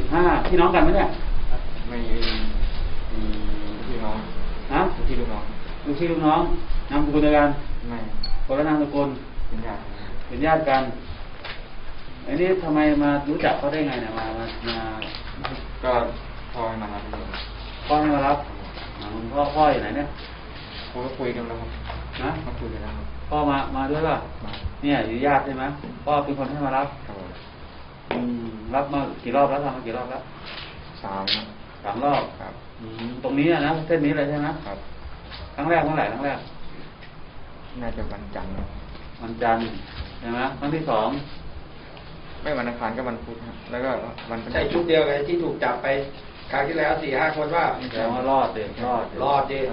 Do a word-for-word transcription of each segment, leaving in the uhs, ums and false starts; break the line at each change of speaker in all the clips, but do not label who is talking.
ห้าพี่น้องกันไหมเนี่ย
ไม่มีพี่น้อง
ฮะ
พี่ลูกน้อง
ลูกพี่ลูกน้องนามสกุลเดียวกัน
ไม่
คนละนามสกุล
เป็นญาติ
เป็นญาติกันอันนี้ทำไมมารู้จักเขาได้ไงเนี่ยมามามา
ก็พ่อให้มารับ
พ่อให้มารับพ่อพ่ออยู่ไหนเนี่ย
คุยก็คุยกันแล้วครับ
นะ
มาคุยกันแล้ว
พ่อมามาด้วยป่ะเนี่ยอยู่ญาติใช่ไหมพ่อเป็นคนให้มารับอืมรับมากี่รอบแล้วทำมากี่รอบแล้ว
สาม
สามรอบ
ครับ
ตรงนี้นะเส้นนี้เลยใช่ไหม
ครับ
ครั้งแรกเมื่อไหร่ครั้งแรก
น่าจะวันจันทร์
วันจันทร์ใช่ไหมครั้งที่สอง
ไม่วันอังคารก็วันพุธแล้วก็วัน
ใช่ชุดเดียวกันที่ถูกจับไปคราวที่แล้วสี่ห้าคนว่า
แสดงว่ารอดเลยรอด
รอดดิ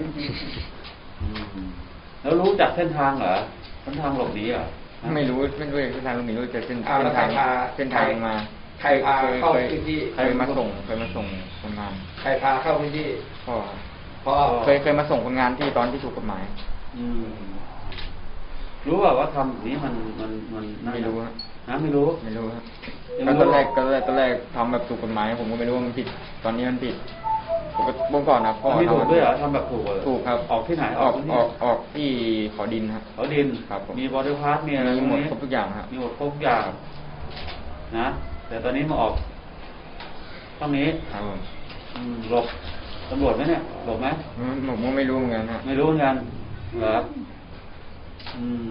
แล้วรู้จักเส้นทางเหรอเส้นทางหลบหนีเหรอ
ไม่รู้ไม่รู้เส้นทางหลบหนีรู้แต่เส้น
เส้นทาง
เส้นทางมา
ใครพาเข้าพื้นที่
ใครมาส่งเคยมาส่งคนงาน
ใครพาเข้าพื้นที่
พ่อ
พ่อ
เคยเคยมาส่งคนงานที่ตอนที่ถูกกฎหมาย
อืมรู้ว่าว่าทำนี้มันมันมัน
ไม่รู้
นะไม่รู้
ไม่รู้ครับก็ตอนแรกก็แรกตอนแรกทำแบบถูกกฎหมายผมก็ไม่รู้ว่ามันผิดตอนนี้มันผิดเมื่อก่อนนะพ่อ
ทำถูกด้วยเหรอทำแบบถูก
ถูกครับ
ออกที่ไหน
ออกออกออกที่ขอดินครับ
ขอดิน
ครับ
มีบริพาร์ทมีอะไร
มีหมดครบทุกอย่างครับ
มีหมดครบทุกอย่างนะแต่ตอนนี้มาออกตรงนี้
ครับผม
หลบตำรวจไหมเนี่ยหลบไหม
ผมก็ไม่รู้เหมือนกันฮะ
ไม่รู้เหมือนกันเหรออืม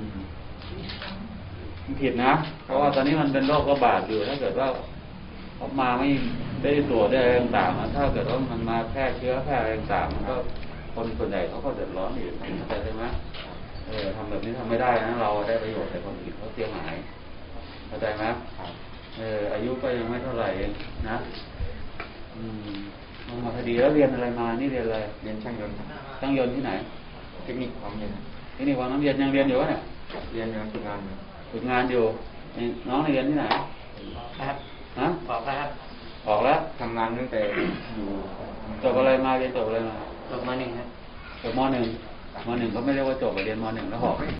ผิดนะเพราะว่าตอนนี้มันเป็นโรคระบาดอยู่ถ้าเกิดว่าเขามาไม่ได้ตรวจได้อะไรต่างๆถ้าเกิดว่ามันมาแพร่เชื้อแพร่อะไรต่างๆมันก็คนส่วนใหญ่เขาก็เดือดร้อนอยู่เข้าใจไหมเออทำแบบนี้ทำไม่ได้นะเราได้ประโยชน์แต่คนอื่นเขาเสียหายเข้าใจไหมเอออายุก็ยังไม่เท่าไหร่เองนะอืมมาคดีแล้วเรียนอะไรมานี่เรียนอะไร
เรียนช่างยนต์
ช่างยนต์ที่ไหน
เทคนิคความเรียน
เทคนิคความน้ำเรียนยังเรียนอยู่วะเนี่ย
เรียนอยู่ฝึกงาน
ฝึกงานอยู่น้องเรียนที่ไหน
ครับ
ฮะ
ออกแล้วครับ
ออกแล้ว
ทำงานตั้งแต่อยู่
จบอะไรมาเรียนจบอะไรมา
จบมหนึ่งครับ
จบมหนึ่งมหนึ่งก็ไม่เรียกว่าจบเรียนมหนึ่งแล้วออก